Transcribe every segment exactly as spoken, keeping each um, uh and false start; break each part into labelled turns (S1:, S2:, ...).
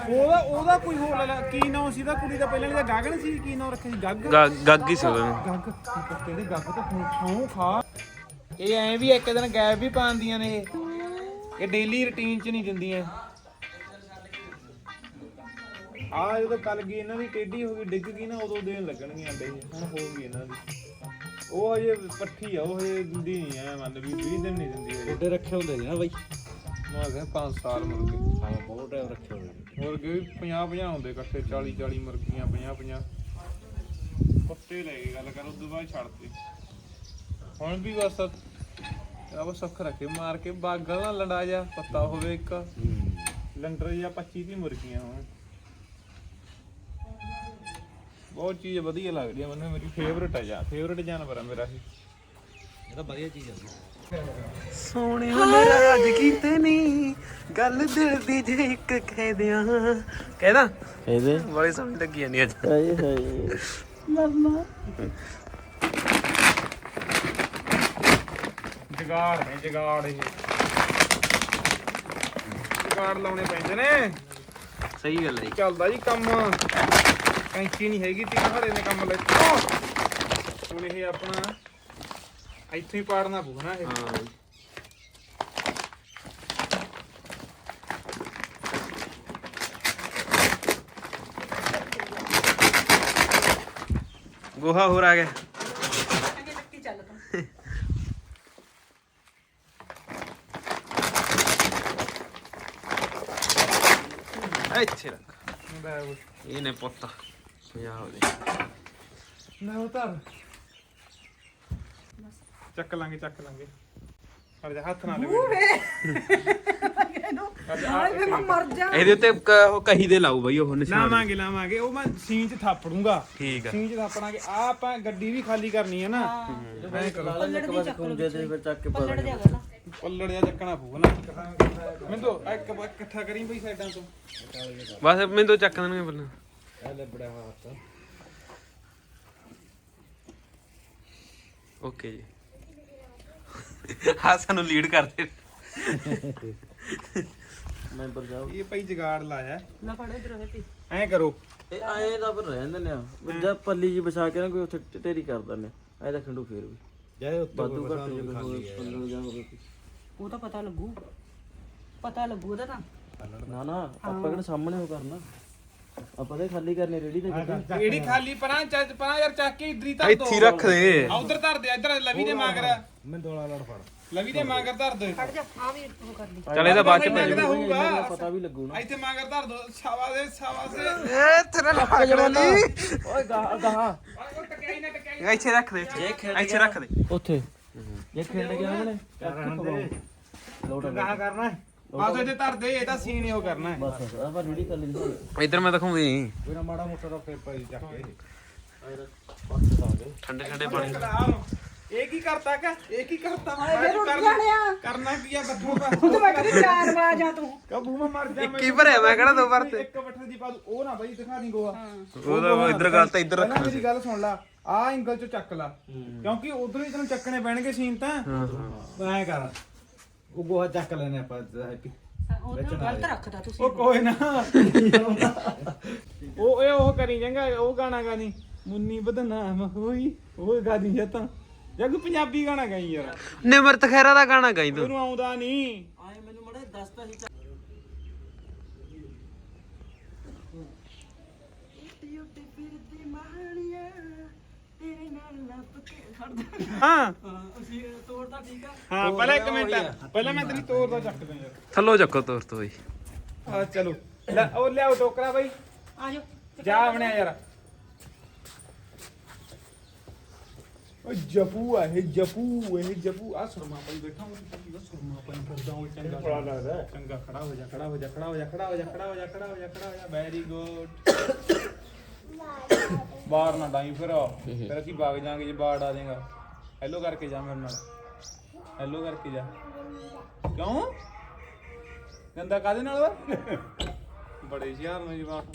S1: ਉਹਦਾ ਉਹਦਾ ਕੋਈ ਹੋਰ ਲੈ ਲਾ ਕੀ ਨਾਂ ਸੀ ਦਾ ਕੁੜੀ ਦਾ ਪਹਿਲਾਂ ਇਹਦਾ ਗਗਨ ਸੀ ਕੀ ਨਾਂ ਰੱਖਿਆ ਸੀ ਗੱਗ
S2: ਗੱਗ ਹੀ ਸੀ ਉਹਦਾ
S1: ਗੱਗ ਕਿਹੜੇ ਗੱਗ ਤਾਂ ਸੌਂ ਖਾ ਇਹ ਐਂ ਵੀ ਇੱਕ ਦਿਨ ਗੈਪ ਵੀ ਪਾਉਂਦੀਆਂ ਨੇ ਇਹ ਇਹ ਡੇਲੀ ਰੁਟੀਨ 'ਚ ਨਹੀਂ ਦਿੰਦੀਆਂ ਆ ਜਦੋਂ ਕੱਲ ਗਈ ਇਹਨਾਂ ਦੀ ਟੇਢੀ ਹੋ ਗਈ ਡਿੱਗ ਗਈ ਨਾ ਉਦੋਂ ਦੇਣ ਲੱਗਣਗੀਆਂ ਅੰਡੇ ਹੁਣ ਹੋ ਗਈ ਇਹਨਾਂ ਦੀ ਉਹ ਹਜੇ ਪੱਠੀ ਆ ਉਹ ਹਜੇ ਦਿੰਦੀ ਨਹੀਂ ਐ ਮੰਨ ਵੀ ਵੀਹ ਦਿਨ ਨਹੀਂ ਦਿੰਦੀ
S3: ਉਹਦੇ ਰੱਖੇ ਹੁੰਦੇ ਨੇ ਨਾ ਬਾਈ
S1: ਮੈਂ ਕਿਹਾ ਪੰਜ ਸਾਲ ਮੁਰਗੇ
S3: ਹਾਂ ਬਹੁਤ ਟਾਈਮ ਰੱਖੇ ਹੁੰਦੇ ਨੇ
S1: ਮੁਰਗੇ ਵੀ ਪੰਜਾਹ ਪੰਜਾਹ ਹੁੰਦੇ ਇਕੱਠੇ ਚਾਲੀ ਚਾਲੀ ਮੁਰਗੀਆਂ ਪੰਜਾਹ ਪੰਜਾਹ ਕੁੱਤੇ ਲੈ ਗਏ ਗੱਲ ਕਰ ਉਦੋਂ ਬਾਅਦ ਛੱਡਤੇ ਹੁਣ ਵੀ ਬਸ ਆ ਬਸ ਅੱਖ ਰੱਖੇ ਮਾਰ ਕੇ ਬਾਗਲ ਨਾ ਲੰਡਾ ਜਾ ਪੱਤਾ ਹੋਵੇ ਇੱਕ ਲੰਡਰ ਜਾਂ ਪੱਚੀ ਦੀ ਮੁਰਗੀਆਂ ਹੋਣ ਬਹੁਤ ਚੀਜ਼ ਵਧੀਆ ਲੱਗਦੀ ਆ ਮੈਨੂੰ ਮੇਰੀ ਫੇਵਰਟ ਆ ਜਾ ਫੇਵਰਟ ਜਾਨਵਰ ਆ ਮੇਰਾ ਇਹ
S3: ਇਹ ਤਾਂ ਵਧੀਆ ਚੀਜ਼ ਆ
S2: ਸੋਹਣੇ ਨਾਰਾਜ਼ ਕੀਤੇ ਨਹੀਂ ਗੱਲ ਦਿਲ ਦੀ ਜੇ ਇੱਕ ਕਹਿ ਦਿਆਂ ਕਹਿਦਾ
S3: ਇਹਦੇ
S2: ਬੜੀ ਸੋਹਣੀ ਲੱਗੀ ਜਾਂਦੀ ਅੱਜ
S3: ਹਾਏ ਹਾਏ ਮਰਨਾ
S1: ਜਗਾੜ ਨੇ ਜਗਾੜ ਇਹ ਜਗਾੜ ਲਾਉਣੇ ਪੈਂਦੇ ਨੇ
S2: ਸਹੀ ਗੱਲ ਹੈ
S1: ਚੱਲਦਾ ਜੀ ਕੰਮ ਕੈਂਚੀ ਨਹੀਂ ਹੈਗੀ ਤੀ ਘੜੇ ਨੇ ਕੰਮ ਲੈ ਹੁਣ ਇਹ ਆਪਣਾ ਇੱਥੇ ਹੀ ਪਾੜਨਾ ਪਊ ਨਾ ਇਹ
S2: ਹਾਂ ਗੋਹਾ ਹੋਰ ਆ ਗਿਆ ਇੱਥੇ ਰੱਖ ਇਹ ਨੇ ਪੁੱਤ ਪੰਜਾਬ ਦੇ
S1: ਨਾ ਉਤਾਰ ਚੱਕ ਲਾਂਗੇ ਚੱਕ ਲਾਂਗੇ ਹਰ ਜਾ ਹੱਥ ਨਾਲ
S2: ਇਹਦੇ ਉੱਤੇ ਕ- ਉਹ ਕਹੀ ਦੇ ਲਾਊ ਬਈ ਉਹ ਨਿਸ਼ਾਨ
S1: ਲਾਵਾਂਗੇ ਲਾਵਾਂਗੇ ਉਹ ਮੈਂ ਸੀਨ ਚ ਥਾਪੜੂੰਗਾ
S2: ਠੀਕ ਆ
S1: ਸੀਨ ਚ ਥਾਪੜਾਂਗੇ ਆ ਆਪਾਂ ਗੱਡੀ ਵੀ ਖਾਲੀ ਕਰਨੀ ਹੈ ਨਾ ਐਂ ਕਰੋ
S3: ਇੱਕ ਵਾਰ ਖੁੰਝੇ ਤੇ ਫਿਰ ਚੱਕ ਕੇ ਪਾ ਦਾਂਗੇ
S1: ਪੱਲੜ ਜਿਹਾ ਚੱਕਣਾ ਪਊਗਾ ਨਾ ਮੈਨੂੰ ਤਾਂ ਇੱਕ ਇਕੱਠਾ ਕਰੀ ਬਈ ਸਾਈਡਾਂ ਤੋਂ
S2: ਬਸ ਮੈਨੂੰ ਤਾਂ ਚੱਕ ਦੇਣਗੇ ਪਹਿਲਾਂ
S3: ਇਹ ਲੈ ਬੜਾ ਹੱਥ
S2: ਓਕੇ ਜੀ ਹਾਂ ਸਾਨੂੰ ਲੀਡ ਕਰਦੇ
S3: ਮੈਂਬਰ ਜਾਓ
S1: ਇਹ ਭਾਈ ਜਗਾੜ ਲਾਇਆ ਨਾ ਫੜ ਇਧਰ ਐਂ ਕਰੋ
S3: ਇਹ ਆਏ ਦਾ ਪਰ ਰਹਿ ਜਾਂਦੇ ਨੇ ਵੱਜਾ ਪੱਲੀ ਜੀ ਵਿਛਾ ਕੇ ਨਾ ਕੋਈ ਉੱਥੇ ਢੇਰੀ ਕਰ ਦਿੰਦੇ ਐ ਤਾਂ ਖੰਡੂ ਫੇਰ ਵੀ ਜਾਏ ਉੱਤੇ ਵਾਧੂ ਘੱਟ ਜੇ ਕੋਈ ਪੰਦਰਾਂ ਜਾਂ ਹੋਵੇ
S4: ਉਹ ਤਾਂ ਪਤਾ ਲੱਗੂ ਪਤਾ ਲੱਗੂ ਉਹਦਾ ਤਾਂ
S3: ਨਾ ਨਾ ਆਪਾਂ ਕਿਹੜਾ ਸਾਹਮਣੇ ਉਹ ਕਰਨਾ ਆਪਾਂ ਤਾਂ ਖਾਲੀ ਕਰਨੇ ਰੇੜੀ ਤੇ ਕਿੱਦਾਂ
S1: ਇਹੜੀ ਖਾਲੀ ਪਰਾਂ ਚੱਜ ਪਰਾਂ ਯਾਰ ਚੱਕ ਕੇ ਇਧਰ ਹੀ ਧਰ ਦੋ
S2: ਇੱਥੇ ਹੀ ਰੱਖ ਦੇ
S1: ਉਧਰ ਧਰ ਦੇ ਇਧਰ ਲਵੀ ਦੇ ਮਾਗਰ
S3: ਮੈਂ ਦੋਲਾ ਲੜ ਫੜ
S1: ਲਵੀ ਦੇ ਮਾਗਰ ਧਰ ਦੇ
S4: ਫੜ ਜਾ ਆ ਵੀ ਉਹ ਕਰ ਲਈ
S2: ਚੱਲ ਇਹਦਾ ਬਾਅਦ ਚ ਪੈ
S1: ਲੱਗਦਾ ਹੋਊਗਾ
S3: ਪਤਾ ਵੀ ਲੱਗੂ ਨਾ
S1: ਇੱਥੇ ਮਾਗਰ ਧਰ ਦੋ ਛਾਵਾ ਦੇ ਛਾਵਾ ਦੇ
S2: ਏ ਤੇਰਾ ਲੱਕ ਜਵਾਨੀ
S3: ਓਏ ਗਾਹ ਗਾਹ
S1: ਉਹ ਟਕਿਆਈ ਨਾ ਟਕਿਆਈ
S2: ਇੱਥੇ ਰੱਖ ਦੇ ਇੱਥੇ ਰੱਖ ਦੇ
S3: ਉੱਥੇ ਜੇ ਖੇਡ ਗਿਆ ਉਹਨੇ ਲੋਟ
S1: ਗਾਹ ਕਰਨਾ ਬਸ ਇਹਦੇ ਧਰ ਦੇ ਇਹ ਤਾਂ ਸੀਨ ਹੀ ਉਹ ਕਰਨਾ ਹੈ
S3: ਬਸ ਆਪਾਂ ਰੇੜੀ ਕਰ ਲਈ
S2: ਇੱਧਰ ਮੈਂ ਦਿਖਾਉਂਦੀ
S3: ਕੋਈ ਨਾ ਮਾੜਾ ਮੋਟਾ ਦਾ ਫੇਰ ਪਾਈ ਚੱਕ ਕੇ
S2: ਠੰਡੇ ਠੰਡੇ ਪਾਣੀ
S1: ਇਹ ਕੀ ਕਰਤਾ ਕਾ ਇਹ ਕੀ ਕਰਤਾ
S4: ਇਹ ਰੁੱਟ ਜਾਣਿਆ
S1: ਕਰਨਾ ਕੀ ਆ ਬੱਠੂ ਦਾ
S4: ਤੂੰ ਮੈਂ ਕਹਿੰਦੀ ਚਾਰ ਵਾਜਾਂ ਤੂੰ
S1: ਕਬੂ ਮੈਂ ਮਰ ਜਾ
S2: ਕੀ ਭਰਿਆ ਮੈਂ ਕਿਹੜਾ ਦੋ ਵਾਰ ਤੇ
S1: ਇੱਕ ਬੱਠੇ ਦੀ ਬਾਤ ਉਹ ਨਾ ਬਾਈ ਦਿਖਾ ਦੀ ਗੋਆ
S2: ਉਹਦਾ ਇੱਧਰ ਗੱਲ ਤਾਂ ਇੱਧਰ ਰੱਖ
S1: ਪਹਿਲਾਂ ਮੇਰੀ ਗੱਲ ਸੁਣ ਲਾ ਆ ਐਂਗਲ ਚੋਂ ਚੱਕ ਲਾ ਕਿਉਂਕਿ ਉਧਰੋਂ ਹੀ ਤੈਨੂੰ ਚੱਕਣੇ ਪੈਣਗੇ ਸੀਨ ਤਾਂ ਐਂ ਕਰ
S3: ਉਹ ਗੋਹਾ ਚੱਕ ਲੈਨੇ ਆਪਾਂ
S4: ਉਹ ਤਾਂ ਗਲਤ ਰੱਖਦਾ ਤੁਸੀਂ
S1: ਉਹ ਕੋਈ ਨਾ ਉਹ ਇਹ ਉਹ ਕਰੀ ਜਾਂਗਾ ਉਹ ਗਾਣਾ ਗਾਣੀ ਮੁੰਨੀ ਬਦਨਾਮ ਹੋਈ ਉਹ ਗਾਦੀ ਜਾਂ ਤਾਂ ਜੱਗ ਪੰਜਾਬੀ ਗਾਣਾ ਗਾਈ ਯਾਰ
S2: ਨਿਮਰਤ ਖੈਰਾ ਦਾ ਗਾਣਾ ਗਾਈ ਤੂੰ
S1: ਉਹਨੂੰ ਆਉਂਦਾ ਨਹੀਂ
S3: ਆਏ ਮੈਨੂੰ ਮੜੇ ਦੱਸਦਾ ਸੀ
S1: ਹਾਂ
S3: ਅਸੀਂ ਤੋੜਦਾ ਠੀਕ ਆ
S1: ਹਾਂ ਪਹਿਲਾਂ ਇੱਕ ਮਿੰਟ ਪਹਿਲਾਂ ਮੈਂ ਤੇਰੀ ਤੋਰ ਦਾ ਚੱਕਦਾ ਯਾਰ
S2: ਥੱਲੋ ਚੱਕੋ ਤੋਰ ਤੋਂ ਬਈ
S1: ਆ ਚਲੋ ਲੈ ਉਹ ਲਿਆਓ ਟੋਕਰਾ ਬਾਈ
S4: ਆ ਜਾ
S1: ਜਾ ਬਣਿਆ ਯਾਰ ਓ ਜਪੂ ਆ ਇਹ ਜਪੂ ਇਹ ਜਪੂ ਆ ਸੁਰਮਾ ਪਾਈ ਬੈਠਾ ਹਾਂ ਸੁਰਮਾ ਪਾਈ ਫਿਰਦਾ ਉਹ ਚੰਗਾ ਬੜਾ ਲੱਗਦਾ ਚੰਗਾ ਖੜਾ ਹੋ ਜਾ ਖੜਾ ਹੋ ਜਾ ਖੜਾ ਹੋ ਜਾ ਖੜਾ ਹੋ ਜਾ ਖੜਾ ਹੋ ਜਾ ਖੜਾ ਹੋ ਜਾ ਖੜਾ ਹੋ ਜਾ ਵੈਰੀ ਗੁੱਡ ਬਾਹਰ ਨਾ ਡਾਈ ਫਿਰ ਫਿਰ ਅਸੀਂ ਵਗ ਜਾਾਂਗੇ ਜੇ ਬਾੜ ਆ ਜਾਏਗਾ ਹੈਲੋ ਕਰਕੇ ਜਾ ਮੇਰੇ ਨਾਲ ਹੈਲੋ ਕਰਕੇ ਜਾ ਕਿਉਂ ਗੰਦਾ ਕਾਦੇ ਨਾਲ ਵਾ ਬੜੇ ਸ਼ਿਆਰ ਨੇ ਜਵਾਕ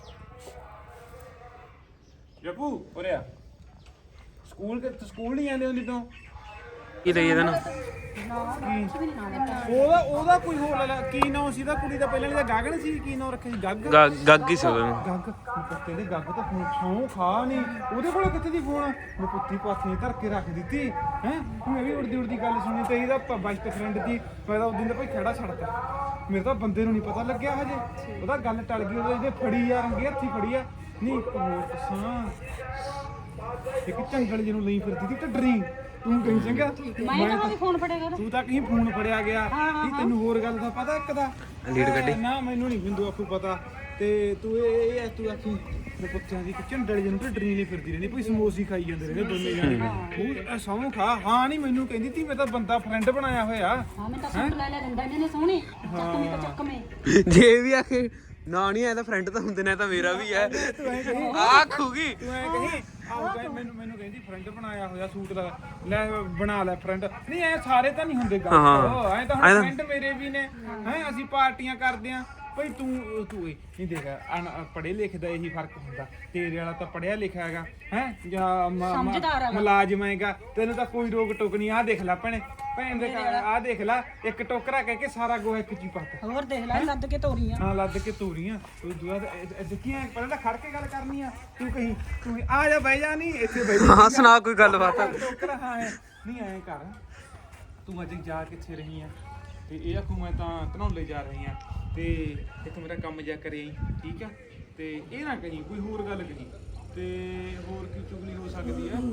S1: ਜਪੂ ਉਰੇ ਆ ਸਕੂਲ ਕਿ ਸਕੂਲ ਨਹੀਂ ਜਾਂਦੇ ਹੁੰਦੀ ਤੂੰ
S2: ਕੀ ਲਈ ਇਹਦਾ ਨਾ
S4: ਕੁਛ ਵੀ ਨਹੀਂ ਨਾ ਲੈਤਾ
S2: ਉਹਦਾ ਉਹਦਾ ਕੋਈ ਹੋਰ ਲੈ ਕੀ ਨਾਂ ਸੀ ਦਾ ਕੁੜੀ ਦਾ ਪਹਿਲਾਂ ਵਾਲੀ ਦਾ ਗਾਗਣ ਸੀ ਕੀ ਨਾਂ ਰੱਖਿਆ ਸੀ ਗੱਗ
S3: ਗੱਗ ਹੀ ਸੀ ਉਹਨੂੰ
S2: ਗੱਗ ਕੁੱਤੇ ਦੇ ਗੱਗ ਤਾਂ ਫੋਨ ਸੌਂ ਖਾ ਨਹੀਂ ਉਹਦੇ ਕੋਲ ਕਿੱਥੇ ਦੀ ਫੋਨ ਮੈਂ ਪੁੱਤੀ ਪਾਥੀ ਧਰ ਕੇ ਰੱਖ ਦਿੱਤੀ ਹੈ ਮੈਂ ਵੀ ਉੜਦੀ ਉੜਦੀ ਗੱਲ ਸੁਣੀ ਤੇ ਇਹਦਾ ਬੈਸਟ ਫਰੈਂਡ ਦੀ ਮੈਂ ਤਾਂ ਉਸ ਦਿਨ ਦਾ ਭਾਈ ਖੜਾ ਛੱਡਤਾ ਮੇਰੇ ਤਾਂ ਬੰਦੇ ਨੂੰ ਨਹੀਂ ਪਤਾ ਲੱਗਿਆ ਹਜੇ ਉਹਦਾ ਗੱਲ ਟਲ ਗਈ ਉਹਦੇ ਇਹਦੇ ਫੜੀ ਆ ਰੰਗੇ ਹੱਥੀ ਫੜੀ ਆ ਨਹੀਂ ਇੱਕ ਹੋਰ ਦੱਸਾਂ ਇੱਕ ਝੰਗਲ ਜਿਹਨੂੰ ਲਈ ਫਿਰਦੀ ਸੀ ਢੱਡਰੀ ਤੂੰ ਕਹੀਂ ਚੰਗਾ
S4: ਮੈਂ ਤਾਂ ਵੀ ਫੋਨ ਫੜੇਗਾ ਉਹਦਾ
S2: ਤੂੰ ਤਾਂ ਕਹੀਂ ਫੋਨ ਫੜਿਆ ਗਿਆ ਕੀ ਤੈਨੂੰ ਹੋਰ ਗੱਲ ਦਾ ਪਤਾ ਇੱਕ ਦਾ
S3: ਲੀਡ ਕੱਢੀ
S2: ਨਾ ਮੈਨੂੰ ਨਹੀਂ ਬਿੰਦੂ ਆਪੂ ਪਤਾ ਤੇ ਤੂੰ ਇਹ ਇਹ ਤੂੰ ਆਖੀ ਮੈਂ ਪੁੱਛਿਆ ਸੀ ਕਿ ਝੰਡਲ ਜਿਹਨੂੰ ਢੱਡਰੀ ਨਹੀਂ ਫਿਰਦੀ ਰਹਿੰਦੀ ਕੋਈ ਸਮੋਸੇ ਖਾਈ ਜਾਂਦੇ ਰਹਿੰਦੇ ਦੋਨੇ ਜਾਣੇ ਉਹ ਸੌਂ ਖਾ ਹਾਂ ਨਹੀਂ ਮੈਨੂੰ ਕਹਿੰਦੀ ਤੀ ਮੈਂ ਤਾਂ ਬੰਦਾ ਫਰੈਂਡ ਬਣਾਇਆ ਹੋਇਆ
S4: ਹਾਂ ਮੈਂ ਤਾਂ ਸੂਟ ਲੈ ਲੈ ਦਿੰਦਾ ਇਹਨੇ ਨੇ ਸੋਹਣੇ ਚੱਕਵੇਂ ਤਾਂ ਚੱਕਵੇਂ
S3: ਜੇ ਵੀ ਆਖੇ ਨਾ ਨਹੀਂ ਆਇਆ ਤਾਂ ਫਰੈਂਡ ਤਾਂ ਹੁੰਦੇ ਨੇ ਤਾਂ ਮੇਰਾ ਵੀ ਹੈ ਆਖੂਗੀ
S2: ਤੂੰ ਐ ਕਹੀਂ ਆਹ ਗਏ ਮੈਨੂੰ ਮੈਨੂੰ ਕਹਿੰਦੀ ਫਰੈਂਡ ਬਣਾਇਆ ਹੋਇਆ ਸੂਟ ਦਾ ਲੈ ਬਣਾ ਲੈ ਫਰੈਂਡ ਨਹੀਂ ਐ ਸਾਰੇ ਤਾਂ ਨਹੀਂ ਹੁੰਦੇ ਗੱਲ ਐ ਤਾਂ ਹੁਣ ਫਰੈਂਡ ਮੇਰੇ ਵੀ ਨੇ ਹੈ ਅਸੀਂ ਪਾਰਟੀਆਂ ਕਰਦੇ ਆਂ ਭਾਈ ਤੂੰ ਤੂੰ ਨਹੀਂ ਦੇਖ ਪੜ੍ਹੇ ਲਿਖੇ ਦਾ ਇਹੀ ਫਰਕ ਹੁੰਦਾ ਤੇਰੇ ਵਾਲਾ ਤਾਂ ਪੜਿਆ ਲਿਖਿਆ ਹੈਗਾ ਹੈ ਜਾਂ ਮੁਲਾਜ਼ਮ ਹੈਗਾ ਤੈਨੂੰ ਤਾਂ ਕੋਈ ਰੋਕ ਟੋਕ ਨਹੀਂ ਆਹ ਦੇਖ ਲੈ ਭੈਣੇ ਭੈਣ ਦੇ ਆਹ ਦੇਖ ਲੈ ਇੱਕ ਟੋਕਰਾ ਕਹਿ ਕੇ ਸਾਰਾ ਗੋਹਾ ਇੱਕ ਚੀ ਪਾਤਾ
S4: ਹੋਰ ਦੇਖ ਲੈ ਲੱਦ ਕੇ ਤੋਰੀਆਂ
S2: ਹਾਂ ਲੱਦ ਕੇ ਤੋਰੀਆਂ ਤੂੰ ਦੁਆ ਦੇਖੀਆਂ ਪਹਿਲਾਂ ਤਾਂ ਖੜ ਕੇ ਗੱਲ ਕਰਨੀ ਆ ਤੂੰ ਕਹੀਂ ਤੂੰ ਆ ਜਾ ਬਹਿ ਜਾ ਨਹੀਂ ਇੱਥੇ ਬਹਿ ਜਾ
S3: ਹਾਂ ਸੁਣਾ ਕੋਈ ਗੱਲਬਾਤ
S2: ਟੋਕਰਾ ਹਾਂ ਨਹੀਂ ਐਂ ਕਰ ਤੂੰ ਅੱਜ ਜਾ ਕਿੱਥੇ ਰਹੀ ਆ ਤੇ ਇਹ ਆਖੂ ਮੈਂ ਤਾਂ ਧਨੌਲੇ ਜਾ ਰਹੀ ਆ ਤੇ ਇੱਥੇ ਮੇਰਾ ਕੰਮ ਜਾ ਕਰੇ ਠੀਕ ਆ ਤੇ ਇਹ ਨਾ ਕਹੀਂ ਕੋਈ ਹੋਰ ਗੱਲ ਕਹੀਂ ਤੇ ਹੋਰ ਕੀ ਚੁਗਲੀ ਹੋ ਸਕਦੀ ਆ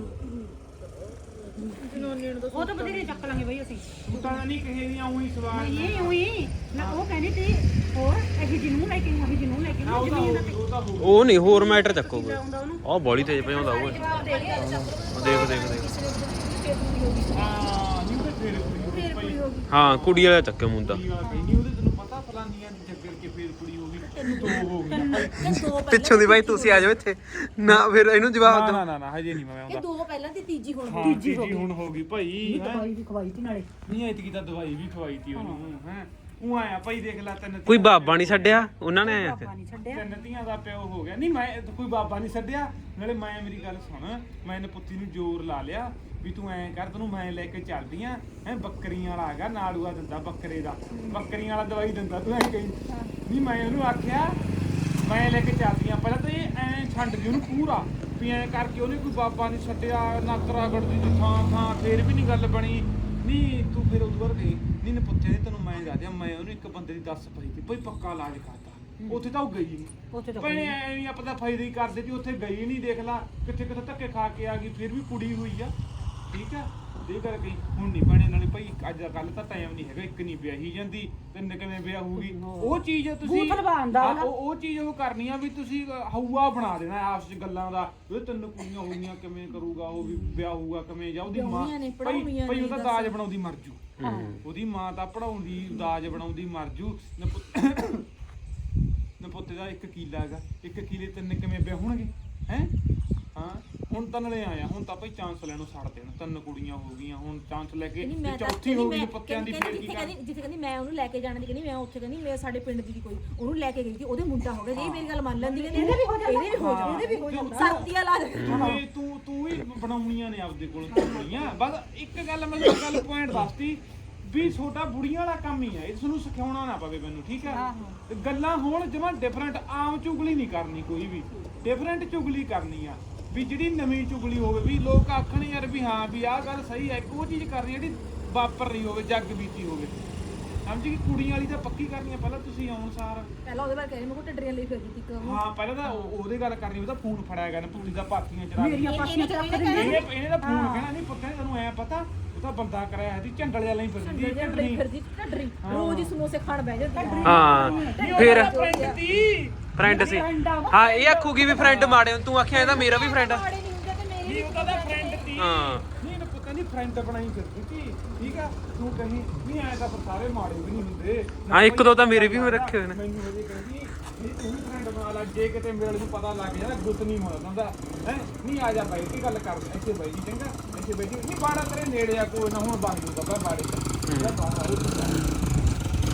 S4: ਉਹ ਤਾਂ ਬਥੇਰੇ ਚੱਕ ਲਾਂਗੇ ਬਈ ਅਸੀਂ
S2: ਤੂੰ ਤਾਂ ਨਹੀਂ ਕਹੇ ਦੀਆਂ ਉਹੀ ਸਵਾਲ
S4: ਨਹੀਂ ਉਹੀ ਨਾ ਉਹ ਕਹਿੰਦੀ ਤੇ ਹੋਰ ਅਸੀਂ ਜਿਹਨੂੰ ਲੈ ਕੇ ਅਸੀਂ ਜਿਹਨੂੰ ਲੈ ਕੇ
S2: ਉਹ ਤਾਂ ਉਹ ਤਾਂ ਹੋ
S3: ਉਹ ਨਹੀਂ ਹੋਰ ਮੈਟਰ ਚੱਕੋ ਕੋਈ
S4: ਆਉਂਦਾ ਉਹਨੂੰ
S3: ਆਹ ਬੜੀ ਤੇਜ਼ ਭਜਾਉਂਦਾ ਉਹ ਦੇਖ ਦੇਖ ਦੇਖ
S2: ਹਾਂ ਨਹੀਂ ਤੇ ਫੇਰ ਕੁੜੀ ਹੋ ਗਈ
S3: ਹਾਂ ਕੁੜੀ ਵਾਲਾ ਚੱਕੇ ਮੁੰਡਾ
S2: ਨਹੀਂ ਉਹਦੇ ਤੈਨੂੰ ਪਤਾ ਫਲਾਨੀਆਂ ਦੀ ਚੱਕਰ ਕੇ ਫੇਰ ਕੁੜੀ ਹੋ ਗਈ ਤੈਨੂੰ ਦੋ ਹੋ ਗਈ
S3: ਪਿੱਛੋਂ ਦੀ ਬਾਈ ਤੁਸੀਂ ਆ ਜਾਓ ਇੱਥੇ ਨਾ ਫਿਰ ਇਹਨੂੰ ਜਵਾਬ
S2: ਨਾ ਨਾ ਨਾ ਹਜੇ ਨਹੀਂ ਮੈਂ ਆਉਂਦਾ
S5: ਦੋ ਪਹਿਲਾਂ ਤੇ ਤੀਜੀ ਹੁਣ
S2: ਹਾਂ ਤੀਜੀ ਹੁਣ ਹੋ ਗਈ ਭਾਈ
S4: ਦਵਾਈ ਵੀ ਖਵਾਈ ਤੀ ਨਾਲੇ
S2: ਨਹੀਂ ਐਤਕੀ ਤਾਂ ਦਵਾਈ ਵੀ ਖਵਾਈ ਤੀ ਉਹਨੂੰ ਹੈ ਉਹ ਆਇਆ ਭਾਈ ਦੇਖ ਲੈ ਤੈਨੂੰ
S3: ਕੋਈ ਬਾਬਾ ਨਹੀਂ ਛੱਡਿਆ ਉਹਨਾਂ ਨੇ ਆਇਆ
S4: ਪਾਣੀ ਛੱਡਿਆ
S2: ਤਿੰਨ ਧੀਆਂ ਦਾ ਪਿਓ ਹੋ ਗਿਆ ਨਹੀਂ ਮੈਂ ਕੋਈ ਬਾਬਾ ਨਹੀਂ ਛੱਡਿਆ ਨਾਲੇ ਮੈਂ ਮੇਰੀ ਗੱਲ ਸੁਣ ਮੈਂ ਇਹਨੇ ਪੁੱਤੀ ਨੂੰ ਜ਼ੋਰ ਲਾ ਲਿਆ ਵੀ ਤੂੰ ਐਂ ਕਰ ਤੈਨੂੰ ਮੈਂ ਲੈ ਕੇ ਚੱਲਦੀ ਆ ਹੈ ਬੱਕਰੀਆਂ ਵਾਲਾ ਹੈਗਾ ਨਾੜੂਆ ਦਿੰਦਾ ਬੱਕਰੇ ਦਾ ਬੱਕਰੀਆਂ ਵਾਲਾ ਦਵਾਈ ਦਿੰਦਾ ਤੂੰ ਐਂ ਕਹੀ ਨਹੀਂ ਮੈਂ ਉਹਨੂੰ ਆਖਿਆ ਮੈਂ ਲੈ ਕੇ ਚੱਲਦੀ ਆ ਪਹਿਲਾਂ ਤਾਂ ਇਹ ਐਂ ਛੱਡ ਦੀ ਉਹਨੂੰ ਪੂਰਾ ਵੀ ਐਂ ਕਰਕੇ ਉਹਨੇ ਕੋਈ ਬਾਬਾ ਨਹੀਂ ਛੱਡਿਆ ਨਾਕਰਾ ਗੜਦੀ ਦੀ ਥਾਂ ਥਾਂ ਫੇਰ ਵੀ ਨਹੀਂ ਗੱਲ ਬਣੀ ਨਹੀਂ ਤੂੰ ਫਿਰ ਉਦੋਂ ਬਾਅਦ ਗਈ ਨਹੀਂ ਨੇ ਪੁੱਛਿਆ ਨਹੀਂ ਤੈਨੂੰ ਮੈਂ ਦੱਸ ਦਿਆਂ ਮੈਂ ਉਹਨੂੰ ਇੱਕ ਬੰਦੇ ਦੀ ਦੱਸ ਪਈ ਸੀ ਭਾਈ ਪੱਕਾ ਇਲਾਜ ਕਰਤਾ ਉੱਥੇ ਤਾਂ ਉਹ ਗਈ ਨਹੀਂ
S4: ਉੱਥੇ ਤਾਂ
S2: ਭੈਣੇ ਐ ਨਹੀਂ ਆਪਾਂ ਤਾਂ ਫਾਇਦਾ ਹੀ ਕਰਦੇ ਸੀ ਉੱਥੇ ਗਈ ਨਹੀਂ ਦੇਖ ਲਾ ਕਿੱਥੇ ਕਿੱਥੇ ਧੱਕੇ ਖਾ ਕੇ ਆ ਗਈ ਫਿਰ ਵੀ ਕੁੜੀ ਹੋਈ ਆ ਠੀਕ ਆ ਇਹ ਕਰ ਗਈ ਹੁਣ ਨਹੀਂ ਭੈਣੇ ਨਾਲੇ ਭਾਈ ਅੱਜ ਕੱਲ ਤਾਂ ਟਾਈਮ ਨਹੀਂ ਹੈਗਾ ਇੱਕ ਨਹੀਂ ਵਿਆਹੀ ਜਾਂਦੀ ਤਿੰਨ ਕਿਵੇਂ ਵਿਆਹ ਹੋਊਗੀ ਉਹ ਚੀਜ਼ ਤੁਸੀਂ
S4: ਬੂਥ ਲਵਾਉਂਦਾ
S2: ਹਾਂ, ਉਹ ਉਹ ਚੀਜ਼ ਉਹ ਕਰਨੀ ਆ ਵੀ ਤੁਸੀਂ ਹਊਆ ਬਣਾ ਦੇਣਾ ਆਪਸ ਚ ਗੱਲਾਂ ਦਾ ਉਹ ਤਿੰਨ ਕੁੜੀਆਂ ਹੋਈਆਂ ਕਿਵੇਂ ਕਰੂਗਾ ਉਹ ਵੀ ਵਿਆਹ ਹੋਊਗਾ ਕਿਵੇਂ ਜਾਂ ਉਹਦੀ ਮਾਂ ਭਾਈ ਭਾਈ ਉਹਦਾ ਦਾਜ ਬਣਾਉਂਦੀ ਮਰ ਜੂ ਉਹਦੀ ਮਾਂ ਤਾਂ ਪੜਾਉਂਦੀ ਦਾਜ ਬਣਾਉਂਦੀ ਮਰ ਜੂ ਨਪੁੱਤੇ ਦਾ ਇੱਕ ਕੀਲਾ ਹੈਗਾ ਇੱਕ ਕੀਲੇ ਤਿੰਨ ਕਿਵੇਂ ਵਿਆਹ ਹੋਣਗੇ ਹੈ ਹਾਂ ਹੁਣ ਤਾਂ ਨਲੇ ਆਇਆ ਹੁਣ ਤਾਂ ਭਾਈ ਚਾਂਸ ਲੈਣੋਂ ਛੱਡ ਦੇਣ ਤਿੰਨ ਕੁੜੀਆਂ ਹੋ ਗਈਆਂ ਹੁਣ ਚਾਂਸ ਲੈ ਕੇ ਚੌਥੀ ਹੋ ਗਈ ਪੱਤਿਆਂ ਦੀ ਫੇਰ ਕੀ ਕਰ
S5: ਜਿੱਥੇ ਕਹਿੰਦੀ ਮੈਂ ਉਹਨੂੰ ਲੈ ਕੇ ਜਾਣਾ ਦੀ ਕਹਿੰਦੀ ਮੈਂ ਉੱਥੇ ਕਹਿੰਦੀ ਮੈਂ ਸਾਡੇ ਪਿੰਡ ਦੀ ਕੋਈ ਉਹਨੂੰ ਲੈ ਕੇ ਗਈ ਸੀ ਉਹਦੇ ਮੁੰਡਾ ਹੋ ਗਿਆ ਜੇ ਮੇਰੀ ਗੱਲ ਮੰਨ ਲੈਂਦੀ ਕਹਿੰਦੀ ਇਹਦੇ ਵੀ ਹੋ ਜਾਂਦਾ ਇਹਦੇ ਵੀ ਹੋ ਜਾਂਦਾ ਇਹਦੇ ਵੀ ਹੋ ਜਾਂਦਾ ਸਰਦੀਆਂ ਲਾ
S2: ਤੂੰ ਤੂੰ ਤੂੰ ਵੀ ਬਣਾਉਣੀਆਂ ਨੇ ਆਪਦੇ ਕੋਲ ਕੁੜੀਆਂ ਬਸ ਇੱਕ ਗੱਲ ਮੈਂ ਗੱਲ ਪੁਆਇੰਟ ਦੱਸਤੀ ਵੀ ਛੋਟਾ ਬੁੜੀਆਂ ਵਾਲਾ ਕੰਮ ਹੀ ਹੈ ਇਹ ਤੁਹਾਨੂੰ ਸਿਖਾਉਣਾ ਨਾ ਪਵੇ ਮੈਨੂੰ ਠੀਕ ਹੈ ਤੇ ਗੱਲਾਂ ਹੋਣ ਜਮਾਂ ਡਿਫਰੈਂਟ ਆਮ ਚੁਗਲੀ ਨਹੀਂ ਕਰਨੀ ਕੋਈ ਵੀ ਡਿਫਰੈਂਟ ਚੁਗਲੀ ਕਰਨੀ ਆ ਵੀ ਜਿਹੜੀ ਨਵੀਂ ਚੁਗਲੀ ਹੋਵੇ ਵੀ ਲੋਕ ਆਖਣ ਯਾਰ ਵੀ ਹਾਂ ਵੀ ਆਹ ਗੱਲ ਸਹੀ ਹੈ ਉਹ ਚੀਜ਼ ਕਰਨੀ ਜਿਹੜੀ ਵਾਪਰ ਰਹੀ ਹੋਵੇ ਜੱਗ ਬੀਤੀ ਹੋਵੇ ਸਮਝ ਗਈ ਕੁੜੀਆਂ ਵਾਲੀ ਤਾਂ ਪੱਕੀ ਕਰਨੀ ਆ ਪਹਿਲਾਂ ਤੁਸੀਂ ਆਉਣ ਸਾਰ
S5: ਪਹਿਲਾਂ ਉਹਦੇ ਬਾਰੇ ਕਹਿੰਦੀ ਮੈਂ ਕੋ ਟੱਡਰੀਆਂ ਲਈ ਫਿਰਦੀ ਸੀ ਇੱਕ
S2: ਹਾਂ ਪਹਿਲਾਂ ਤਾਂ ਉਹਦੇ ਗੱਲ ਕਰਨੀ ਉਹਦਾ ਫੋਨ ਫੜਾਇਆ ਗਿਆ ਨਾ ਪੁੱਤੀ ਦਾ ਪਾਥੀਆਂ ਚੜਾ
S4: ਮੇਰੀਆਂ ਪਾਥੀਆਂ ਚ ਰੱਖ ਦਿੰਦੇ
S2: ਇਹਨੇ ਇਹਨੇ ਦਾ ਫੋਨ ਕਹਿਣਾ ਨਹੀਂ ਪੁੱਤਾਂ ਤੈਨੂੰ ਐ ਪਤਾ ਉਹ ਤਾਂ ਬੰਦਾ ਕਰਾਇਆ ਸੀ ਝੰਡਲ ਵਾਲਾ ਹੀ ਫਿਰਦੀ
S5: ਟੱਡਰੀ ਫਿਰਦੀ ਟੱਡਰੀ ਰੋਜ਼ ਹੀ ਸਮੋਸੇ ਖਾਣ ਬਹਿ ਜਾਂਦੀ
S3: ਹਾਂ ਫਿਰ
S2: ਫਰੈਂਡ ਦੀ
S3: ਫਰੈਂਡ ਸੀ ਹਾਂ ਇਹ ਆਖੂਗੀ ਵੀ ਫਰੈਂਡ ਮਾੜੇ ਤੂੰ ਆਖਿਆ ਇਹਦਾ ਮੇਰਾ ਵੀ ਫਰੈਂਡ ਆ
S5: ਮਾੜੇ ਨਹੀਂ ਹੁੰਦੇ ਤੇ ਮੇਰੇ
S2: ਨਹੀਂ ਉਹਦਾ ਫਰੈਂਡ ਸੀ
S3: ਹਾਂ
S2: ਨਹੀਂ ਇਹਨੇ ਪਤਾ ਨਹੀਂ ਫਰੈਂਡ ਬਣਾਈ ਫਿਰਦੀ ਸੀ ਠੀਕ ਆ ਤੂੰ ਕਹੀਂ ਨਹੀਂ ਆਇਆ ਤਾਂ ਸਾਰੇ ਮਾੜੇ ਵੀ ਨਹੀਂ ਹੁੰਦੇ
S3: ਹਾਂ ਇੱਕ ਦੋ ਤਾਂ ਮੇਰੇ ਵੀ ਰੱਖੇ ਹੋਏ ਨੇ
S2: ਮੈਨੂੰ ਉਹਦੇ ਕਹਿੰਦੀ ਨਹੀਂ ਤੂੰ ਵੀ ਫਰੈਂਡ ਬਣਾ ਲੈ ਜੇ ਕਿਤੇ ਮੇਰੇ ਨੂੰ ਪਤਾ ਲੱਗ ਜਾਣਾ ਗੁੱਤ ਨਹੀਂ ਹੋਣਾ ਹੁੰਦਾ ਹੈ ਨਹੀਂ ਆ ਜਾ ਬਾਈ ਕੀ ਗੱਲ ਕਰ ਇੱਥੇ ਬਾਈ ਜੀ ਚੰਗਾ ਇੱਥੇ ਬੈਠੀ ਨਹੀਂ ਬਾੜਾ ਤੇਰੇ ਨੇੜੇ ਆ ਕੋਈ ਨਾ ਹੁਣ ਬੰਦ ਦੂਗਾ ਬਾੜੇ ਚ ਬਾਹਰ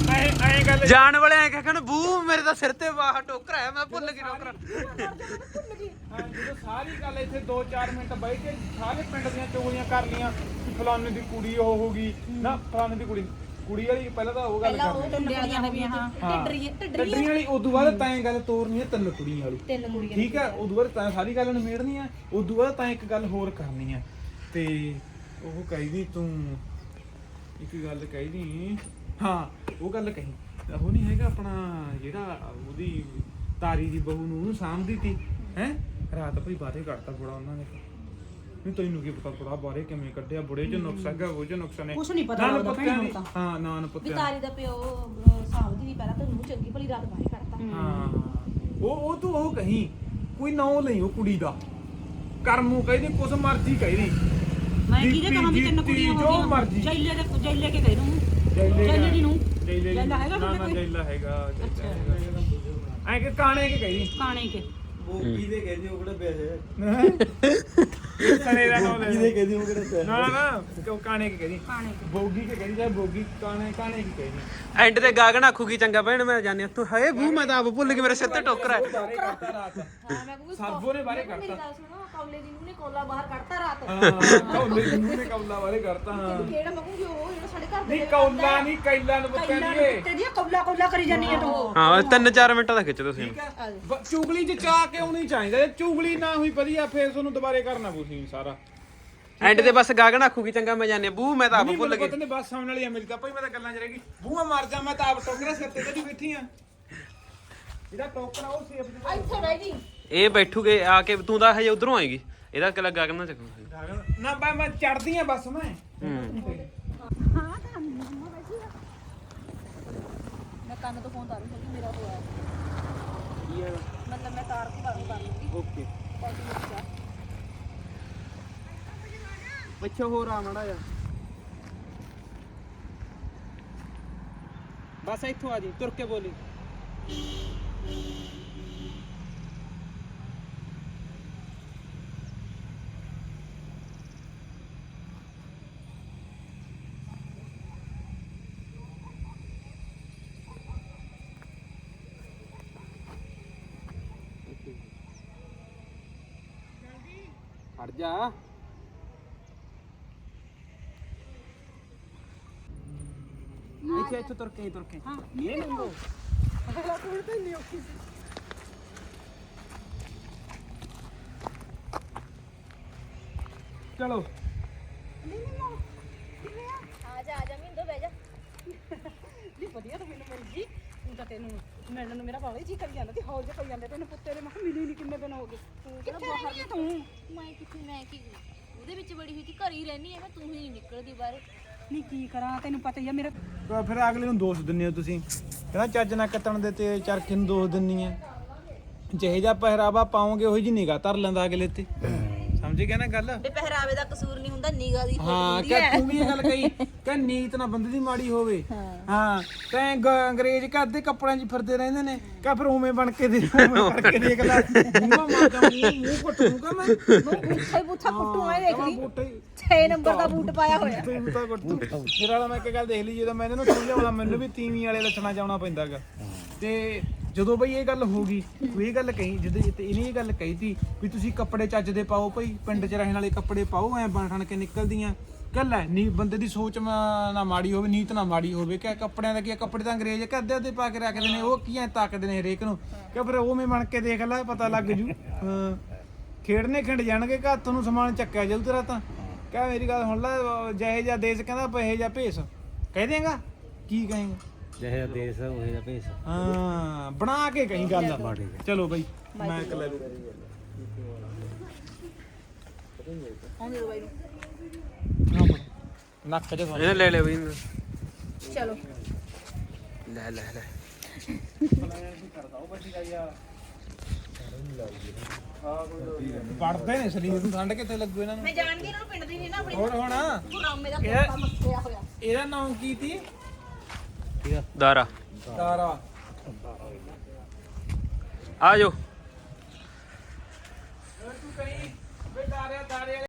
S2: ਐ ਐ ਗੱਲ
S3: ਜਾਣ ਵਾਲੇ ਐ ਕਹਿਣ ਬੂ ਮੇਰੇ ਤਾਂ ਸਿਰ ਤੇ ਬਾਹ ਟੋਕਰਾ ਹੈ ਮੈਂ ਭੁੱਲ ਗਈ ਟੋਕਰਾ
S2: ਹਾਂ ਜਦੋਂ ਸਾਰੀ ਗੱਲ ਇੱਥੇ ਦੋ ਚਾਰ ਮਿੰਟ ਬਹਿ ਕੇ ਸਾਰੇ ਪਿੰਡ ਦੀਆਂ ਚੋਗਲੀਆਂ ਕਰ ਲੀਆਂ ਕਿ ਫਲਾਣੇ ਦੀ ਕੁੜੀ ਉਹ ਹੋ ਗਈ ਨਾ ਫਲਾਣੇ ਦੀ ਕੁੜੀ ਕੁੜੀ ਵਾਲੀ ਪਹਿਲਾਂ ਤਾਂ ਉਹ ਗੱਲ
S5: ਪਹਿਲਾਂ ਉਹ
S2: ਕਰਨੀ
S5: ਟੁੰਡੇ ਵਾਲੀਆਂ ਹੋ ਗਈਆਂ ਹਾਂ ਢਿੱਡਰੀਆਂ
S2: ਟੱਡਰੀਆਂ
S5: ਢਿੱਡਰੀਆਂ
S2: ਵਾਲੀ ਉਦੋਂ ਬਾਅਦ ਤਾਂ ਇਹ ਗੱਲ ਤੋਰਨੀ ਹੈ ਤਿੰਨ ਕੁੜੀਆਂ ਵਾਲੀ
S5: ਤਿੰਨ ਕੁੜੀਆਂ
S2: ਠੀਕ ਹੈ ਉਦੋਂ ਬਾਅਦ ਤਾਂ ਸਾਰੀ ਗੱਲ ਨਿਮੇੜਨੀ ਹੈ ਉਦੋਂ ਬਾਅਦ ਤਾਂ ਇੱਕ ਗੱਲ ਹੋਰ ਕਰਨੀ ਹੈ ਤੇ ਉਹ ਕਹਿੰਦੀ ਤੂੰ ਇੱਕ ਗੱਲ ਕਹਿੰਦੀ ਹਾਂ ਉਹ ਗੱਲ ਕਹੀ ਉਹ ਨਹੀਂ ਹੈਗਾ ਆਪਣਾ ਜਿਹੜਾ ਉਹਦੀ ਤਾਰੀ ਦੀ ਬਹੂ ਨੂੰ ਉਹਨੂੰ ਸਾਂਭਦੀ ਤੀ ਹੈ ਰਾਤ ਭਈ ਬਾਰੇ ਕੱਢਤਾ ਬੜਾ ਉਹਨਾਂ ਨੇ ਨਹੀਂ ਤੈਨੂੰ ਕੀ ਪਤਾ ਬੜਾ ਬਾਰੇ ਕਿਵੇਂ ਕੱਢਿਆ ਬੁੜੇ ਚ ਨੁਕਸ ਹੈਗਾ ਉਹ ਚ ਨੁਕਸ ਨੇ
S4: ਕੁਛ ਨਹੀਂ ਪਤਾ
S2: ਨਾਨ
S4: ਲੱਗਦਾ
S2: ਪੱਤਿਆਂ
S4: ਭੈਣ
S2: ਦੀ
S4: ਨੂੰ
S2: ਹਾਂ ਨਾਨ ਪੱਤਿਆਂ ਦੀ।
S5: ਵਿਤਾਰੀ ਦਾ ਪਿਓ ਸਾਹਮਣੇ ਵੀ ਪਹਿਲਾਂ ਤਾਂ ਨੂੰ ਚੰਗੀ ਭਲੀ ਰਾਤ ਬਾਹਰ ਕੱਢਤਾ
S2: ਹਾਂ ਉਹ ਉਹ ਤੂੰ ਉਹ ਕਹੀਂ ਕੋਈ ਨਾਂ ਲਈ ਉਹ ਕੁੜੀ ਦਾ ਕਰਮੂ ਕਹਿੰਦੀ ਕੁਛ ਮਰਜ਼ੀ ਕਹਿੰਦੀ
S4: ਮੈਂ ਕਿਹਦੇ ਕਹਾਂ ਵੀ ਤਿੰਨ
S2: ਜੀਤੀ,
S4: ਕੁੜੀਆਂ
S2: ਜੋ
S4: ਹੋ
S2: ਮਰਜ਼ੀ।
S4: ਗਈਆਂ ਜੈਲੇ ਦੇ ਜੈਲੇ ਕੇ ਕਹਿ ਦੂੰ
S2: ਜੈਲੇ
S4: ਜੈਲੇ ਦੀ ਨੂੰ
S2: ਜੈਲੇ
S4: ਜੈਲਾ ਹੈਗਾ
S2: ਨਾ
S4: ਤੁਹਾਡੇ
S2: ਨਾ
S4: ਕੋਈ?
S2: ਜੈਲਾ ਹੈਗਾ ਐ ਕਿ ਕਾਣੇ ਕੇ ਕਹਿੰਦੀ
S4: ਕਾਣੇ ਕੇ
S3: ਬੋਗੀ ਦੇ ਕਹਿੰਦੇ ਉਹ ਕਿਹੜਾ ਪਿਆ
S2: ਸਨੇ ਦਾ ਨਾਮ ਲੈ
S3: ਕਿਹਦੇ ਕਹਿੰਦੇ ਉਹ ਕਿਹੜਾ ਪਿਆ
S2: ਨਾ ਨਾ ਕਿਉਂ ਕਾਣੇ ਕੇ ਕਹਿੰਦੀ
S4: ਕਾਣੇ ਕੇ
S2: ਬੋਗੀ ਕੇ ਕਹਿੰਦੀ ਜਾਂ ਬੋਗੀ ਕਾਣੇ ਕਾਣੇ ਕੀ ਕਹਿੰਦੀ
S3: ਐਂਡ ਤੇ ਗਾਗਣ ਆਖੂਗੀ ਚੰਗਾ ਭੈਣ ਮੈਂ ਜਾਣਿਆ ਤੂੰ ਹਏ ਬੂ ਮੈਂ ਤਾਂ ਆਪ ਭੁੱਲ ਗਈ ਮੇਰੇ ਸਿਰ ਤੇ ਟੋਕਰਾ ਹੈ
S2: ਬਾਰੇ ਕਰਤਾ ਰਾਤ
S5: ਹਾਂ ਮੈਂ ਕਹੂੰਗੀ
S2: ਸਰਬੋ ਨੇ ਬਾਰੇ
S5: ਮੇਰੀ
S2: ਕਰਤਾ
S5: ਗੱਲ ਸੁਣੋ ਕੌਲੇ ਦੀ ਨੂੰ ਨੇ ਕੋਲਾ ਬਾਹਰ ਕੱਢਤਾ ਰਾਤ
S2: ਹਾਂ ਕੌਲੇ ਦੀ ਮੂੰਹ ਨੇ ਕੌਲਾ ਬਾਰੇ ਕਰਤਾ ਹਾਂ
S5: ਕਿਹੜਾ ਮੈਂ ਕਹੂੰਗੀ ਉਹ ਜਿਹੜਾ ਸਾਡੇ ਘਰ ਦੇ
S2: ਨਹੀਂ ਕੌਲਾ ਨਹੀਂ ਕੈਲਾ ਨੂੰ ਪੁੱਤਾਂ ਦੀਏ
S4: ਤੇ ਜੀ ਕੌਲਾ ਕੌਲਾ ਕਰੀ ਜਾਨੀ ਹੈ ਤੂੰ
S3: ਹਾਂ ਤਿੰਨ ਚਾਰ ਮਿੰਟਾਂ ਦਾ ਖਿੱਚ ਤੁਸੀਂ
S2: ਠੀਕ ਹੈ ਬ- ਚੁਗਲੀ ਚ ਚਾ ਕੇ ਆਉਣੀ ਚਾਹੀਦਾ ਜੇ ਚੁਗਲੀ ਨਾ ਹੋਈ ਵਧੀਆ ਫੇਰ ਤੁਹਾਨੂੰ ਦੁਬਾਰੇ ਕਰਨਾ ਪਊ ਸਾਰਾ
S3: ਐਂਡ ਤੇ ਬਸ ਗਾਗਣ ਆਖੂਗੀ ਚੰਗਾ ਮੈਂ ਜਾਣਿਆ ਬੂ ਮੈਂ ਤਾਂ ਆਪ
S2: ਨਹੀਂ
S3: ਭੁੱਲ
S2: ਮੈਨੂੰ
S3: ਗਈ
S2: ਪਤਾ ਨਹੀਂ ਬਸ ਆਉਣ ਵਾਲੀ ਆ ਮੇਰੀ ਤਾਂ ਭਾਈ ਮੈਂ ਤਾਂ ਗੱਲਾਂ ਚ ਰਹਿ ਗਈ ਬੂਹਾ ਮਰ ਜਾ ਮੈਂ ਤਾਂ ਆਪ ਟੋਕਰਾ ਸਿਰ ਤੇ ਕਦੀ ਬੈਠੀ ਆ ਜਿਹੜਾ ਟੋਕਰਾ ਉਹ ਸੇਫ ਜਿਹਾ
S5: ਇੱਥੇ ਬਹਿ ਜੀ
S3: ਇਹ ਬੈਠੂਗੇ ਆ ਕੇ ਤੂੰ ਤਾਂ ਹਜੇ ਉਧਰੋਂ ਆਏਗੀ ਇਹਦਾ ਕਿਲਾ ਗਾਗਣ ਨਾ ਚੱਕੂ
S2: ਨਾ ਬਾ ਮੈਂ ਚੜਦੀ ਆ ਬਸ ਮੈਂ
S3: ਹੂੰ
S5: ਮੈਂ ਕੰਨ ਤੋਂ ਫੋਨ ਤਾਰੂ ਕਿ ਮੇਰਾ ਹੋਇਆ ਮਤਲਬ ਮੈਂ ਤਾਰ ਤੋਂ ਬਾਹਰ ਕਰ ਲੂੰਗੀ
S3: ਓਕੇ
S5: ਪਾਰਟੀ ਵਿੱਚ ਜਾ
S3: ਪਿੱਛੇ ਹੋਰ ਆ ਮੜਾ ਜਾ ਬਸ ਇੱਥੋਂ ਆ ਜੀ ਤੁਰ ਕੇ ਬੋਲੀ ਹਟ ਜਾ ਇੱਥੇ ਇੱਥੇ ਤੁਰ ਕੇ ਤੁਰ ਕੇ ਹਾਂ ਇਹ ਨੰਗੋ
S2: ਚਲੋ
S5: ਆ ਜਾ ਆ ਜਾ ਮਿੰਦੋ ਬਹਿ ਜਾ
S4: ਨਹੀਂ ਵਧੀਆ ਤਾਂ ਮੈਨੂੰ ਮਿਲ ਗਈ ਤੂੰ ਤਾਂ ਤੈਨੂੰ ਮਿਲਣ ਨੂੰ ਮੇਰਾ ਬਾਵਾ ਜੀ ਕਰੀ ਜਾਂਦਾ ਤੇ ਹੌਲ ਜੇ ਪਈ ਜਾਂਦੇ ਤੈਨੂੰ ਪੁੱਤੇ ਦੇ ਮੈਂ ਕਿਹਾ ਮਿਲੀ ਨਹੀਂ ਕਿੰਨੇ ਦਿਨ ਹੋ ਗਏ ਤੂੰ ਕਿਹੜਾ ਬਾਹਰ ਗਿਆ ਤੂੰ
S5: ਮੈਂ ਕਿੱਥੇ ਮੈਂ ਕੀ ਉਹਦੇ ਵਿੱਚ ਬੜੀ ਹੋਈ ਸੀ ਘਰ ਹੀ ਰਹਿਣੀ ਹੈ ਮੈਂ ਤੂੰ ਹੀ ਨਹੀਂ ਨਿਕਲਦੀ ਬਾਹਰ
S4: ਨਹੀਂ ਕੀ ਕਰਾਂ ਤੈਨੂੰ ਪਤਾ ਹੀ ਆ ਮੇਰਾ
S2: ਤਾਂ ਫਿਰ ਅਗਲੇ ਨੂੰ ਦੋਸ਼ ਦਿੰਦੇ ਹੋ ਤੁਸੀਂ ਕਹਿੰਦਾ ਚੱਜ ਨਾ ਕੱਟਣ ਦੇ ਤੇ ਚਰਖੇ ਨੂੰ ਦੋਸ਼ ਦਿੰਨੀ ਆ ਜਿਹੇ ਜਿਹਾ ਪਹਿਰਾਵਾ ਪਾਓਗੇ ਉਹੀ ਜੀ ਨਿਗਾਹ ਧਰ ਲੈਂਦਾ ਅਗਲੇ ਤੇ ਸਮਝ ਗਿਆ ਨਾ ਗੱਲ
S5: ਤੇ ਪਹਿਰਾਵੇ ਦਾ ਕਸੂਰ ਨਹੀਂ ਹੁੰਦਾ ਨਿਗਾਹ ਦੀ
S2: ਹਾਂ ਕਿ ਤੂੰ ਵੀ ਇਹ ਗੱਲ ਕਹੀ ਕਿ ਨੀਤ ਨਾ ਬੰਦੇ ਦੀ ਮਾੜੀ ਹੋਵੇ ਹਾਂ ਤੈਂ ਗ- ਅੰਗਰੇਜ਼ ਕਰਦੇ ਕੱਪੜਿਆਂ 'ਚ ਫਿਰਦੇ ਰਹਿੰਦੇ ਨੇ ਕਹ ਫਿਰ ਉਵੇਂ ਬਣ ਕੇ ਦੇ ਉਵੇਂ ਕਰਕੇ ਦੇਖ ਲੈ ਮੂੰਹ ਮਾਰ ਜਾ ਮੂੰਹ ਮੂੰਹ ਕੁੱਟੂਗਾ ਮੈਂ
S5: ਬੂਠਾ ਬੂਠਾ ਕੁੱਟੂ ਆਏ ਦੇਖ ਲਈ
S2: ਬੂਟੇ
S5: ਛੇ ਨੰਬਰ ਦਾ ਬੂਟ ਪਾਇਆ ਹੋਇਆ
S2: ਤੂੰ ਤਾਂ ਕੁੱਟੂ ਮੇਰਾ ਵਾਲਾ ਮੈਂ ਇੱਕ ਗੱਲ ਦੇਖ ਲਈ ਜਦੋਂ ਮੈਂ ਇਹਨਾਂ ਨੂੰ ਸਮਝਾਉਣਾ ਮੈਨੂੰ ਵੀ ਤੀਵੀਂ ਵਾਲੇ ਲੱਛਣਾ ਜਾਉਣਾ ਪੈਂਦਾਗਾ ਤੇ ਜਦੋਂ ਬਈ ਇਹ ਗੱਲ ਹੋ ਗਈ ਤੂੰ ਇਹ ਗੱਲ ਕਹੀ ਜਦੋਂ ਤੇ ਇਹਨੇ ਇਹ ਗੱਲ ਕਹੀ ਤੀ ਵੀ ਤੁਸੀਂ ਕੱਪੜੇ ਚੱਜ ਦੇ ਪਾਓ ਭਾਈ ਪਿੰਡ 'ਚ ਰਹਿਣ ਵਾਲੇ ਕੱਪੜੇ ਪਾਓ ਐ ਬਣ ਠਣ ਕੇ ਨਿਕਲਦੀਆਂ ਗੱਲ ਹੈ ਨੀ ਬੰਦੇ ਦੀ ਸੋਚ ਮਾ- ਨਾ ਮਾੜੀ ਹੋਵੇ ਨੀਤ ਨਾ ਮਾੜੀ ਹੋਵੇ ਕਿ ਕੱਪੜਿਆਂ ਦਾ ਕੀ ਆ, ਕੱਪੜੇ ਤਾਂ ਅੰਗਰੇਜ਼ ਕਰਦੇ ਅੱਧੇ ਪਾ ਕੇ ਰੱਖਦੇ ਨੇ ਉਹ ਕੀ ਐ ਤਾਕਦੇ ਨੇ ਹਰੇਕ ਨੂੰ ਕਿ ਫਿਰ ਉਵੇਂ ਬਣ ਕੇ ਦੇਖ ਲੈ ਪਤਾ ਲੱਗ ਜੂ ਹਾਂ ਖੇਡਨੇ ਖਿੰਡ ਜਾਣਗੇ ਕਿ ਹੱਥ ਨੂੰ ਸਮਾਨ ਚੱਕਿਆ ਜਾਊ ਤੇਰਾ ਤਾਂ ਕਹਿ ਮੇਰੀ ਗੱਲ ਹੁਣ ਲੈ ਜਿਹੇ ਜਿਹਾ ਦੇਸ਼ ਕਹਿੰਦਾ ਪਹੇ ਜਿਹਾ ਭੇਸ ਕਹਿ ਦੇਂਗਾ ਕੀ ਕਹੇਂਗਾ
S3: ਜਿਹੇ ਦੇਸ਼ ਉਹੇ ਦਾ ਭੇਸ
S2: ਹਾਂ ਬਣਾ ਕੇ ਕਹੀਂ ਗੱਲ ਚਲੋ ਬਈ ਮੈਂ ਇਕੱਲਾ
S5: ਆਉਂਦੇ ਬਾਈ ਨੂੰ
S2: ਨੱਕ ਚ
S3: ਇਹਨੇ ਲੈ ਲੈ ਬਈ
S5: ਚਲੋ
S3: ਲੈ ਲੈ ਲੈ
S2: ਪੜਦੇ ਨੇ ਸਰੀਰ ਨੂੰ ਠੰਡ ਕਿੱਥੇ ਲੱਗੂ ਇਹਨਾਂ ਨੂੰ
S5: ਮੈਂ ਜਾਣਦੀ ਇਹਨਾਂ ਨੂੰ ਪਿੰਡ ਦੀ ਨਹੀਂ ਨਾ ਆਪਣੀ
S2: ਹੋਰ ਹੁਣ
S5: ਗੁਰਾਮੇ ਦਾ
S2: ਇਹ-
S5: ਕੋਟਾ ਮੱਸਿਆ ਹੋਇਆ
S2: ਇਹਦਾ ਨਾਮ ਕੀ ਸੀ
S3: ਦਾਰਾ
S2: ਤਾਰਾ
S3: ਆ ਜਾਓ
S2: ਤੂੰ ਕਹੀਂ ਬੇ ਤਾਰੇ ਤਾਰੇ